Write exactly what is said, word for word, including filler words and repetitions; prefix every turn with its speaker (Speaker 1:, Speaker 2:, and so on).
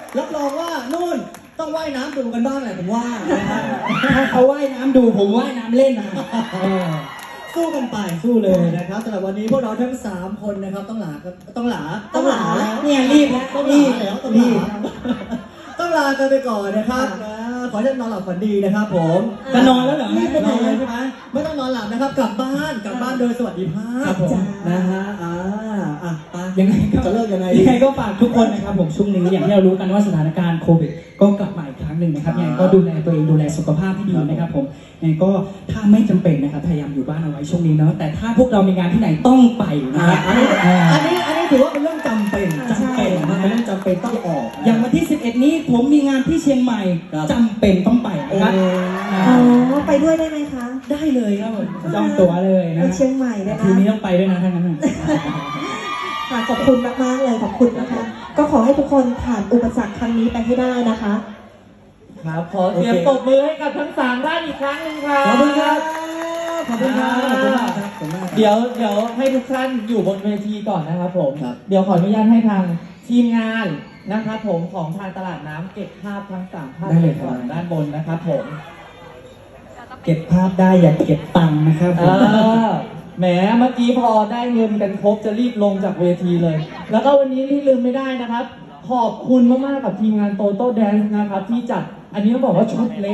Speaker 1: รับรองว่านู่นต้องว่ายน้ำดูกันบ้างแหละผมว่านะฮะ
Speaker 2: ถ้าเขาว่ายน้ำดูผมว่ายน้ำเล่นนะเออ
Speaker 1: สู้กันไปสู้เลยนะครับสำหรับวันนี้พวกเราทั้งสามคนนะครับต้องหลาต้องหลา
Speaker 2: ต้องหลา
Speaker 1: แล้ว
Speaker 2: เนี่ยรีบแล้ว
Speaker 1: ต้องห
Speaker 2: รี
Speaker 1: ลา
Speaker 2: บ
Speaker 1: แล้วต้องห
Speaker 2: รี
Speaker 1: ลา
Speaker 2: บ
Speaker 1: ต้องลากันไปก่อนนะครับนะขอให้ท่านนอนหลับฝันดีนะครับผม
Speaker 2: จะนอนแล้วเหรอ
Speaker 1: รีบไปนอนเลยใช่ไหมไม่ต้องนอนหลับนะครับกลับบ้านกลับบ้านโดยสวัสดิภาพ
Speaker 2: ครับผม
Speaker 1: นะฮะอ่าอ่ะไป
Speaker 2: ยังไงก็
Speaker 1: จะเลิกยังไง
Speaker 2: ยังไงก็ฝากทุกคนนะครับผมช่วงนี้อย่างที่เรารู้กันว่าสถานการณ์โควิดก็กลับมาอีกครั้งหนึ่งนะครับยังไงก็ดูแลตัวเองดูแลสุขภาพให้ดีนะครับผมยังไงก็ถ้าไม่จำเป็นนะครับพยายามอยู่บ้านเอาไว้ช่วงนี้เนาะแต่ถ้าพวกเรามีงานที่ไหนต้องไปนะ
Speaker 1: อ่า
Speaker 2: ครับ
Speaker 1: อันนี้อันนี้อันนี้ถือว่าเป็นเรื่องจำเป็นจำเป็นนะเป็นเรื่องจำเป็นต้องออก
Speaker 2: อย่างวันที่สิบเอ็ดนี้ผมมีงานที่เชียงใหม่
Speaker 1: ครับ
Speaker 2: จำเป็นต้องไปนะครับ
Speaker 3: อ๋อไปด้วยได้ไหมคะ
Speaker 2: ได้เลยครับผมจองตั๋วเลยนะ
Speaker 3: ไปเชียงใหม่ได้
Speaker 2: ทีนี้
Speaker 3: นะ
Speaker 2: ต้องไปด้วยนะท่านนั้นนะ
Speaker 3: ค่ะขอบคุณมากๆเลยขอบคุณนะคะ ก็ขอให้ทุกคนผ่านอุปสรรคครั้งนี้ไปให้ได้นะคะ
Speaker 4: ครับขอเสียงปรบมือให้กับทั้งสามท่านอีกครั้งหนึ่งครับ
Speaker 1: ขอบคุณครับขอบคุณครับขอบคุณมากครับขอบคุณมากครับ
Speaker 4: เดี๋ยวเดี๋ยวให้ทุกท่านอยู่บนเวทีก่อนนะครับผม
Speaker 1: ครับ
Speaker 4: เดี๋ยวขออนุญาตให้ทางทีมงานนะครับผมของทางตลาดน้ำเก็บภาพทั้งสามภาพ
Speaker 2: ได้เลยครับ
Speaker 4: ก่อนด้านบนนะครับผม
Speaker 2: เก็บภาพได้อย่าเก็บตังค์นะครับ
Speaker 4: เออแหมเมื่อกี้พอได้เงินกันครบจะรีบลงจากเวทีเลย แล้วก็วันนี้ที่ลืมไม่ได้นะครับ ขอบคุณมากๆกับทีมงานโตโต้แดนซ์นะครับที่จัดอันนี้ต้องบอกว่าชุดเล็ก